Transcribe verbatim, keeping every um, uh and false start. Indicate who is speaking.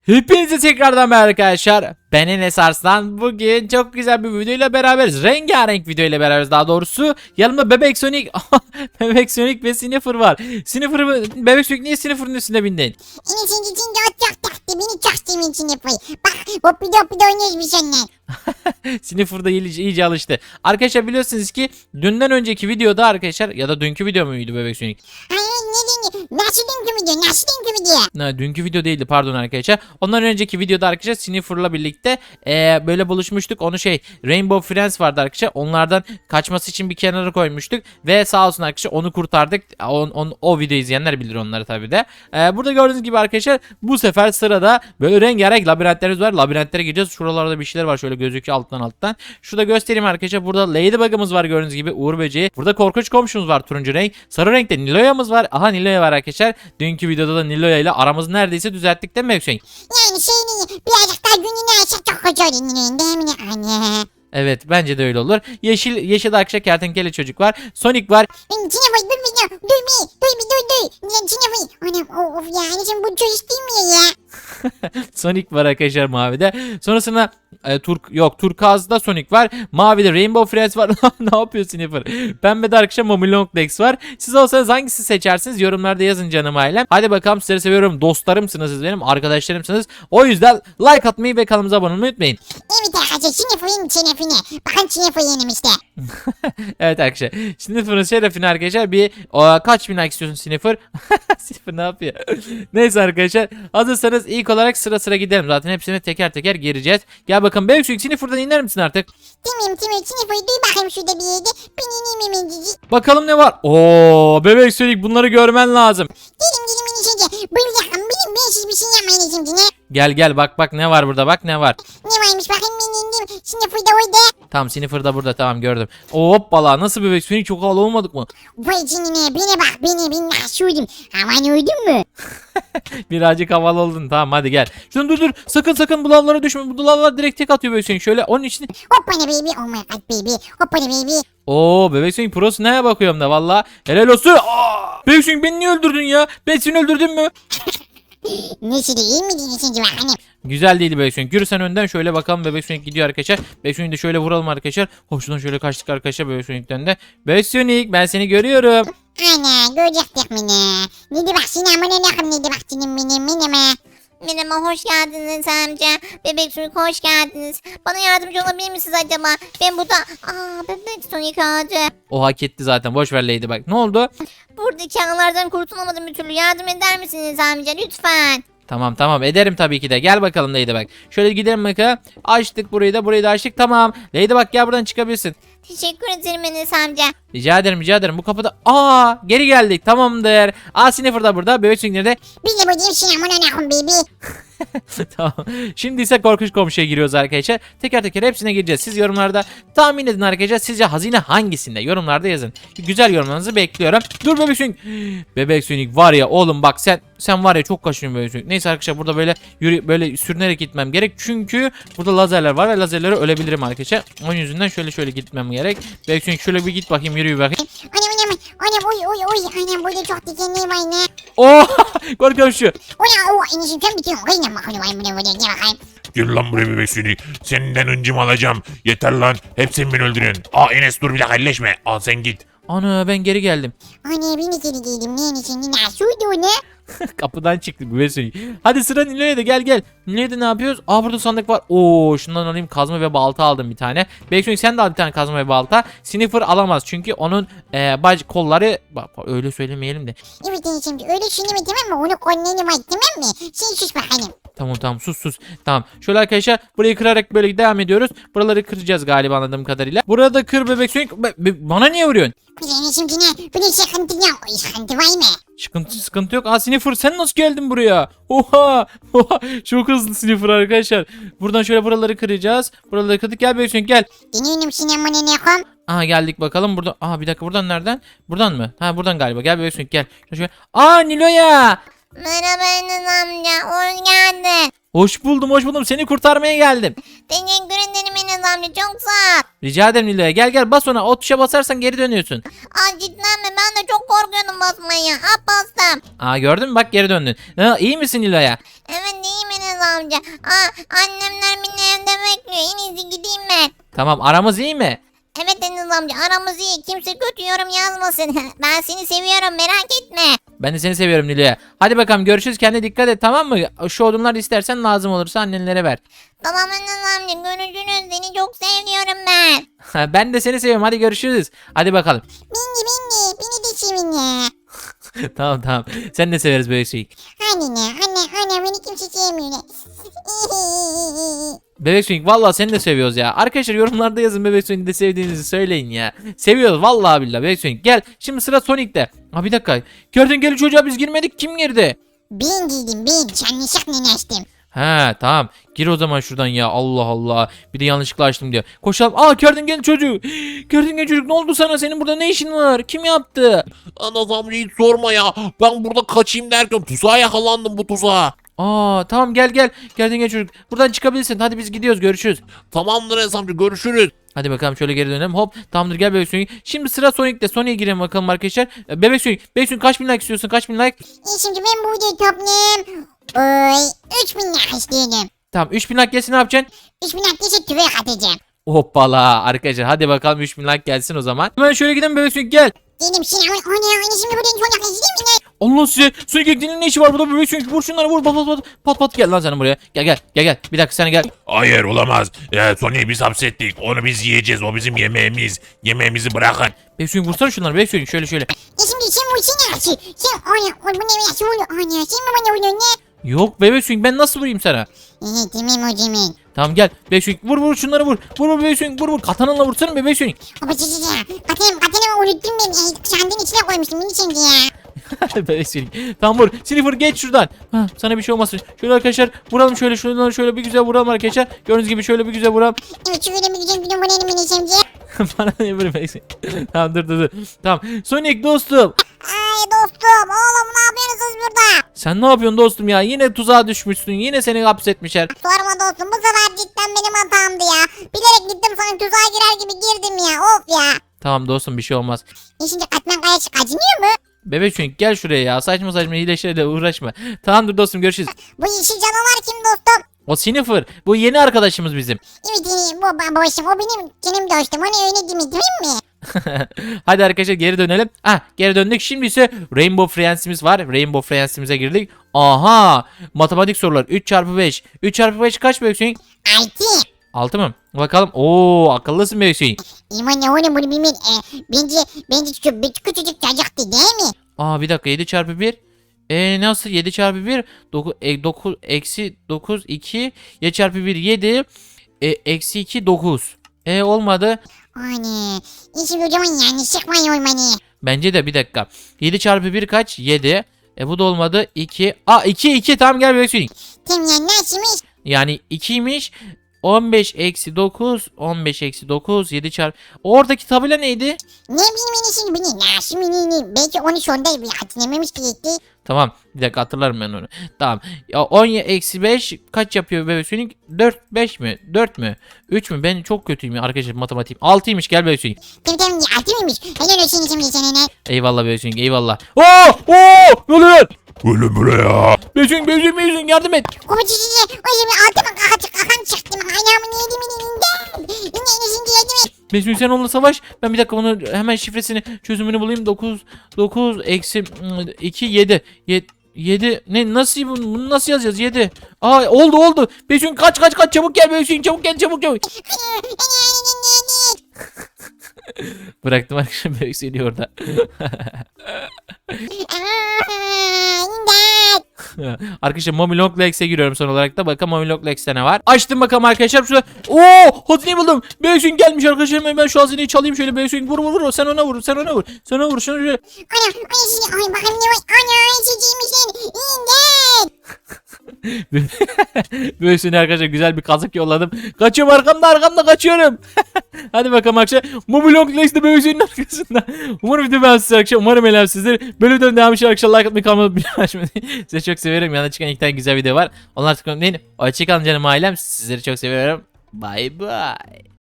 Speaker 1: Hepinize tekrardan merhaba arkadaşlar. Ben Enes Arslan. Bugün çok güzel bir videoyla beraberiz. Rengarenk videoyla beraberiz daha doğrusu. Yanımda Bebek Sonic, Bebek Sonic ve Sniffer var. Sniffer, Bebek Sonic niye Sniffer'ın üstüne bindin?
Speaker 2: Enes'in için çok çok taktı. Beni çok sevdiğin için yapayım. Bak hoppidi hoppidi oynuyoruz biz seninle.
Speaker 1: Sniffer da iyice, iyice alıştı. Arkadaşlar biliyorsunuz ki dünden önceki videoda arkadaşlar ya da dünkü video muydu Bebek Sonic?
Speaker 2: Hayır ne diyeyim? Nasıl dünkü video? Nasıl dünkü video?
Speaker 1: Ha, dünkü video değildi pardon arkadaşlar. Ondan önceki videoda arkadaşlar Sniffer'la birlikte e, böyle buluşmuştuk. Onu şey Rainbow Friends vardı arkadaşlar. Onlardan kaçması için bir kenara koymuştuk. Ve sağ olsun arkadaşlar onu kurtardık. On, on, o videoyu izleyenler bilir onları tabi de. E, burada gördüğünüz gibi arkadaşlar bu sefer sırada böyle rengarenk labirentlerimiz var. Labirentlere gideceğiz. Şuralarda bir şeyler var şöyle gözüküyor alttan alttan. Şurada göstereyim arkadaşlar. Burada Ladybug'ımız var gördüğünüz gibi. Uğur böceği. Burada korkunç komşumuz var turuncu renk. Sarı renkte Niloya'mız var. Aha Niloya var arkadaşlar. Dünkü videoda da Niloya ile aramızı neredeyse düzelttik değil mi Hüseyin?
Speaker 2: Yani şey değil. Birazcık daha gününü açsak çok kötü olur. Değil mi anne?
Speaker 1: Evet bence de öyle olur. Yeşil yeşil arkadaşlar kertenkele çocuk var. Sonic var.
Speaker 2: Benim içine koy. Dur bir dur. Dur bir. Dur bir dur dur. İçine koy. Anam of ya. Anneciğim bu çocuk değil mi ya?
Speaker 1: Sonic var arkadaşlar mavide. Sonrasında e, Turk yok Turkuaz'da Sonic var. Mavide Rainbow Friends var. Ne yapıyor Sniffer? Pembede arkadaşlar Mommy Long Legs var. Siz olsanız hangisi seçersiniz? Yorumlarda yazın canım ailem. Hadi bakalım sizleri seviyorum. Dostlarımsınız siz benim. Arkadaşlarımsınız. O yüzden like atmayı ve kanalımıza abone olmayı unutmayın.
Speaker 2: Evet arkadaşlar. Sinefayın şerefine. Bakın Sinefayı yenim işte.
Speaker 1: Evet arkadaşlar. Sniffer'ın şerefine arkadaşlar bir o, kaç bin like istiyorsun Sniffer? Sniffer ne yapıyor? Neyse arkadaşlar. Hazırsanız ilk olarak sıra sıra gidelim. Zaten hepsini teker teker gireceğiz. Gel bakalım. Bebek Sonic Sniffer'dan iner misin artık?
Speaker 2: Tamam tamam. Sinefayı duy bakayım şurada bir yerde. Ben ineyim hemen cici.
Speaker 1: Bakalım ne var? Oo, Bebek Sonic bunları görmen lazım.
Speaker 2: Dedim dedim Enes'e. Buyur yakın. Benim ben siz bir şey yapmayın Enes'im ne?
Speaker 1: Gel gel bak bak ne var burada bak ne var.
Speaker 2: Ne varmış bakayım ben indim. Sinefayı da orada.
Speaker 1: Tamam Sniffer da burada tamam gördüm. Hoppala nasıl Bebek Sonic çok havalı olmadık mı?
Speaker 2: Vay canına bana bak beni ben nasıl uydum. Aman uydun mu?
Speaker 1: Birazcık havalı oldun tamam hadi gel. Şunu dur dur sakın sakın bu lavlara düşme. Bu lavlar direkt tek atıyor Bebek Sonic. Şöyle onun için.
Speaker 2: Hoppana baby oh my god baby. Hoppana baby.
Speaker 1: Oo Bebek Sonic prosu neye bakıyorum da valla. Helal olsun. Aa, Bebek Sonic beni niye öldürdün ya? Ben seni öldürdün mü?
Speaker 2: Nesi de iyi mi dinlesince bakalım.
Speaker 1: Güzel değil Bebek Sonic. Yürü sen önden şöyle bakalım Bebek Sonic gidiyor arkadaşlar. Bebek Sonic'i de şöyle vuralım arkadaşlar. Hoşçakalın şöyle kaçtık arkadaşlar Bebek Sonic'ten de. Bebek Sonic ben seni görüyorum.
Speaker 2: Ana görecektik beni. Ne de bak sinema ne yakın ne de bak canım benim benim.
Speaker 3: Merhaba, hoş geldiniz amca. Bebek Sonic hoş geldiniz. Bana yardımcı olabilir misiniz acaba? Ben burada... Aa, Bebek Sonic ağacı.
Speaker 1: O hak etti zaten. Boş ver Lady bak. Ne oldu?
Speaker 3: Buradaki ağlardan kurtulamadım bir türlü. Yardım eder misiniz amca lütfen?
Speaker 1: Tamam tamam ederim tabii ki de. Gel bakalım Lady bak. Şöyle gidelim bakalım. Açtık burayı da burayı da açtık. Tamam. Lady bak gel buradan çıkabilirsin.
Speaker 3: Teşekkür ederim Enes amca.
Speaker 1: Rica ederim rica ederim. Bu kapıda... Aa geri geldik. Tamamdır. Aa Sniffer da burada. Bebek Sonic nerede?
Speaker 2: Biz de buradayım sinema ne yakın baby.
Speaker 1: Tamam. Şimdi ise korkunç komşuya giriyoruz arkadaşlar. Teker teker hepsine gireceğiz. Siz yorumlarda tahmin edin arkadaşlar. Sizce hazine hangisinde? Yorumlarda yazın. Güzel yorumlarınızı bekliyorum. Dur Bebek Sonic. Bebek Sonic var ya oğlum bak sen sen var ya çok kaşınıyorsun Bebek Sonic. Neyse arkadaşlar burada böyle yürü, böyle sürünerek gitmem gerek. Çünkü burada lazerler var ve lazerlere ölebilirim arkadaşlar. Onun yüzünden şöyle şöyle gitmem gerek. Bebek Sonic şöyle bir git bakayım yürü bir bakayım.
Speaker 2: Anam anam anam oy oy oy. Anam burada çok dikenli var ne?
Speaker 1: Oo korkunç komşu.
Speaker 2: Ona o Enes'im sen bitiyorsun. Kıyına bakalım ay buna buna ne bakayım.
Speaker 4: Gel lan buraya Bebek Sonic. Senden öncüm alacağım. Yeter lan. Hep sen beni öldürüyorsun. Aa Enes dur bir dakika elleşme. Al sen git.
Speaker 1: Ana ben geri geldim.
Speaker 2: Anne beni geri giydim. Ne Enes'im ne nasıl uydu ne?
Speaker 1: Kapıdan çıktık Bebek Sonic. Hadi sıra Nilo'ya da gel gel. Nilo'ya da ne yapıyoruz? Aa burada sandık var. Oo şundan alayım kazma ve balta aldım bir tane. Bebek Sonic sen de al bir tane kazma ve balta. Sniffer alamaz çünkü onun e, bac kolları bak, öyle söylemeyelim de.
Speaker 2: Evet Enes'im öyle düşünme tamam mı? Onu kolları var tamam mı? Sen sus bakalım.
Speaker 1: Tamam tamam sus sus. Tamam. Şöyle arkadaşlar burayı kırarak böyle devam ediyoruz. Buraları kıracağız galiba anladığım kadarıyla. Burada kır Bebek Sonic. Be- be- bana niye vuruyorsun?
Speaker 2: Kız Enes'im ne? Böyle sıkıntı yok. Sıkıntı var mı?
Speaker 1: Sıkıntı sıkıntı yok. Aa Sniffer sen nasıl geldin buraya? Oha! Oha! Çok hızlı Sniffer arkadaşlar. Buradan şöyle buraları kıracağız. Buraları kırdık. Gel Bebek Sonic gel.
Speaker 2: Deniyorum sinema ne ne kom?
Speaker 1: Aha geldik bakalım burada. Aha bir dakika buradan nereden? Buradan mı? Ha buradan galiba. Gel Bebek Sonic gel. Şöyle. Aa Nilo'ya!
Speaker 3: Merhaba Enes amca, hoş geldin.
Speaker 1: Hoş buldum hoş buldum. Seni kurtarmaya geldim.
Speaker 3: Teşekkür ederim Enes Enes amca çok sağ ol.
Speaker 1: Rica ederim Nilo'ya. Gel gel bas ona. O tuşa basarsan geri dönüyorsun.
Speaker 3: Aa cidden mi? Ben de çok korkuyordum basmaya. Aa bastım.
Speaker 1: Aa gördün mü? Bak geri döndün. Ha, iyi misin Nilo'ya?
Speaker 3: Evet iyiyim Enes amca. Aa annemler beni evde bekliyor. En iyisi gideyim ben.
Speaker 1: Tamam aramız iyi mi?
Speaker 3: Evet Enes amca aramız iyi. Kimse kötü yorum yazmasın. Ben seni seviyorum merak etme.
Speaker 1: Ben de seni seviyorum Nilo'ya. Hadi bakalım görüşürüz. Kendine dikkat et tamam mı? Şu odunlar istersen lazım olursa annenlere ver.
Speaker 3: Tamam Enes amca görüşürüz. Seni çok seviyorum ben.
Speaker 1: Ben de seni seviyorum. Hadi görüşürüz. Hadi bakalım.
Speaker 2: Bindi bindi. Beni de sevin ya.
Speaker 1: Tamam tamam. Sen de severiz böyle şeyi.
Speaker 2: Anne ne? Anne anne beni kimse sevmiyor.
Speaker 1: Bebek Swing vallahi seni de seviyoruz ya. Arkadaşlar yorumlarda yazın Bebek Swing'i de sevdiğinizi söyleyin ya. Seviyoruz vallahi billahi Bebek Swing. Gel şimdi sıra Sonic'te. Ha bir dakika. Kertenkele çocuğa biz girmedik. Kim girdi?
Speaker 2: Ben giydim ben. Yanlışlıkla açtım.
Speaker 1: He tamam. Gir o zaman şuradan ya. Allah Allah. Bir de yanlışlıkla açtım diyor. Koşalım. Aa kertenkele çocuk. Kertenkele çocuk ne oldu sana? Senin burada ne işin var? Kim yaptı?
Speaker 4: Enes amca hiç sorma ya. Ben burada kaçayım derken tuzağa yakalandım bu tuzağa.
Speaker 1: Aa tamam gel gel. Kertenkele çocuk. Buradan çıkabilirsin. Hadi biz gidiyoruz. Görüşürüz.
Speaker 4: Tamamdır Enes amca görüşürüz.
Speaker 1: Hadi bakalım şöyle geri dönelim. Hop tamamdır gel Bebek Swing. Şimdi sıra Sonic'te. Sonic'e girelim bakalım arkadaşlar. Ee, Bebek Swing. Bebek Swing kaç bin like istiyorsun? Kaç bin like?
Speaker 2: E şimdi ben bu videoyu toplayayım. Oy. Üç bin lira istedim.
Speaker 1: Tamam üç bin like gelsin ne yapacaksın?
Speaker 2: Üç bin lira ise tüvek atacağım.
Speaker 1: Hoppala arkadaşlar hadi bakalım üç bin like gelsin o zaman. Hemen şöyle gidelim Bebek Swing gel.
Speaker 2: Dedim şimdi anne anne şimdi buradan son yaklaşık değil mi lan?
Speaker 1: Allah size Sonic Ekli'nin ne işi var burada Bebek Swing? Vur şunları vur pat pat pat pat pat gel lan sen buraya. Gel gel gel gel bir dakika sen gel.
Speaker 4: Hayır olamaz. Ee, Sony'yi biz hapsettik. Onu biz yiyeceğiz. O bizim yemeğimiz. Yemeğimizi bırakın.
Speaker 1: Bebek Swing vursana şunları Bebek Swing şöyle şöyle.
Speaker 2: E şimdi sen bu için açı. Sen anne o bu ne nasıl oluyor anne sen mi bana vuruyorsun ne?
Speaker 1: Yok Bebek Swing ben nasıl vurayım sana?
Speaker 2: İyi tamam o zaman.
Speaker 1: Tamam gel Bebek Swing vur vur şunları vur. Vur vur Bebek Swing vur vur katanınla vursana Bebek Swing.
Speaker 2: Baba çiçeği ya. Katanım katanımı unuttum ben. E, sandığın içine koymuştum beni şimdi ya.
Speaker 1: Bebek Swing. Tamam vur. Sniffer geç şuradan. Ha, sana bir şey olmasın. Şöyle arkadaşlar vuralım şöyle şunları şöyle bir güzel vuralım arkadaşlar. Gördüğünüz gibi şöyle bir güzel vuralım.
Speaker 2: Evet şöyle bir güzel bir numarayla beni şimdi.
Speaker 1: Bana ne böyle Bebek Swing. Tamam dur dur dur. Tamam. Sonic dostum.
Speaker 2: Ay dostum oğlum ne yapıyorsunuz burada?
Speaker 1: Sen ne yapıyorsun dostum ya? Yine tuzağa düşmüşsün. Yine seni hapsetmişler.
Speaker 2: Sorma dostum bu sefer cidden benim hatamdı ya. Bilerek gittim sana tuzağa girer gibi girdim ya of ya.
Speaker 1: Tamam dostum bir şey olmaz.
Speaker 2: E şimdi katman kaya acımıyor mu?
Speaker 1: Bebek Swing gel şuraya ya. Saçma saçma hileşlerle uğraşma. Tamamdır dostum görüşürüz.
Speaker 2: Bu yeşil canavar kim dostum?
Speaker 1: O Sniffer. Bu yeni arkadaşımız bizim.
Speaker 2: Evet e, bu babacım o benim canım dostum onu öyle değil mi değil mi?
Speaker 1: Hadi arkadaşlar geri dönelim. Ah geri döndük. Şimdi ise Rainbow Friends'imiz var. Rainbow Friends'imize girdik. Aha! Matematik sorular. üç çarpı beş. üç çarpı beş kaç Bebek Swing?
Speaker 2: Altı.
Speaker 1: altı mı? Bakalım. Oo akıllısın Bebek Swing.
Speaker 2: İman ne oğlum bunu bilmeyin. E, bence bence küçük, küçücük çocuktu değil mi?
Speaker 1: Aa bir dakika yedi çarpı bir. E nasıl yedi çarpı bir? dokuz, e, dokuz eksi dokuz iki. yedi çarpı bir yedi. E, eksi iki dokuz. E olmadı.
Speaker 2: Anne. E şimdi o zaman yanlışlık var ya olmanı.
Speaker 1: Bence de bir dakika. yedi çarpı bir kaç? yedi. E bu da olmadı. iki. Aa iki iki tamam gel Bebek Swing.
Speaker 2: Tam ya nasılmış?
Speaker 1: Yani ikiymiş. on beş eksi dokuz. on beş eksi dokuz. yedi çarpı. Oradaki tabela neydi?
Speaker 2: Ne bileyim beni şimdi beni nasıl bileyim. Belki onu sonda bir hatırlamamış ki gitti.
Speaker 1: Tamam. Bir dakika hatırlarım ben onu. Tamam. Ya on eksi beş kaç yapıyor Bebek Swing? dört beş mi? dört mü? üç mü? Ben çok kötüyüm ya arkadaşlar matematiğim. altıymış gel Bebek Swing.
Speaker 2: Tamam tamam altı mıymış? Helal olsun şimdi sana ne?
Speaker 1: Eyvallah Bebek Swing eyvallah. Oo! Oo! Ne oluyor lan?
Speaker 4: Ölüm buraya.
Speaker 1: Bebek Swing Bebek Swing Bebek Swing yardım et.
Speaker 2: O çiçeği o zaman altıma kakan kakan çıktım. Ayağımı yedim elinden. Yine yine şimdi yedim et.
Speaker 1: Bebek Swing sen onunla savaş. Ben bir dakika bunu hemen şifresini çözümünü bulayım. dokuz dokuz eksi iki yedi. yedi ne nasıl bunu, bunu nasıl yazacağız yedi. Aa oldu oldu. Bebek Swing kaç kaç kaç çabuk gel Bebek Swing çabuk gel çabuk çabuk. Bıraktım arkadaşlar Bebek Swing'i orada. Arkadaşlar Mommy Long Legs'e giriyorum son olarak da. Bakalım Mommy Long Legs'te ne var. Açtım bakalım arkadaşlar. Şurada. Oo, hazineyi buldum. Bebek Swing gelmiş arkadaşlar. Hemen ben şu hazineyi çalayım şöyle. Bebek Swing vur vur vur. Sen ona vur. Sen ona vur. Sen ona vur. Şunu şöyle.
Speaker 2: Ana, ana şimdi ay bakalım ne var? Ana çiçeğiymiş lan. İmdat.
Speaker 1: Bebek Swing'e arkadaşlar güzel bir kazık yolladım. Kaçıyorum arkamda arkamda kaçıyorum. Hadi bakalım arkadaşlar. Mommy Long Legs'te Bebek Swing'in arkasında. Umarım video beğenmişsiniz arkadaşlar. Umarım eğlenmişsinizdir. Böyle videonun devamı için arkadaşlar like atmayı kalmadı. Bir açmayı. Size çok seviyorum. Yanına çıkan iki tane güzel video var. Onlar tıklamayı unutmayın. Hoşçakalın canım ailem. Sizleri çok seviyorum. Bay bay.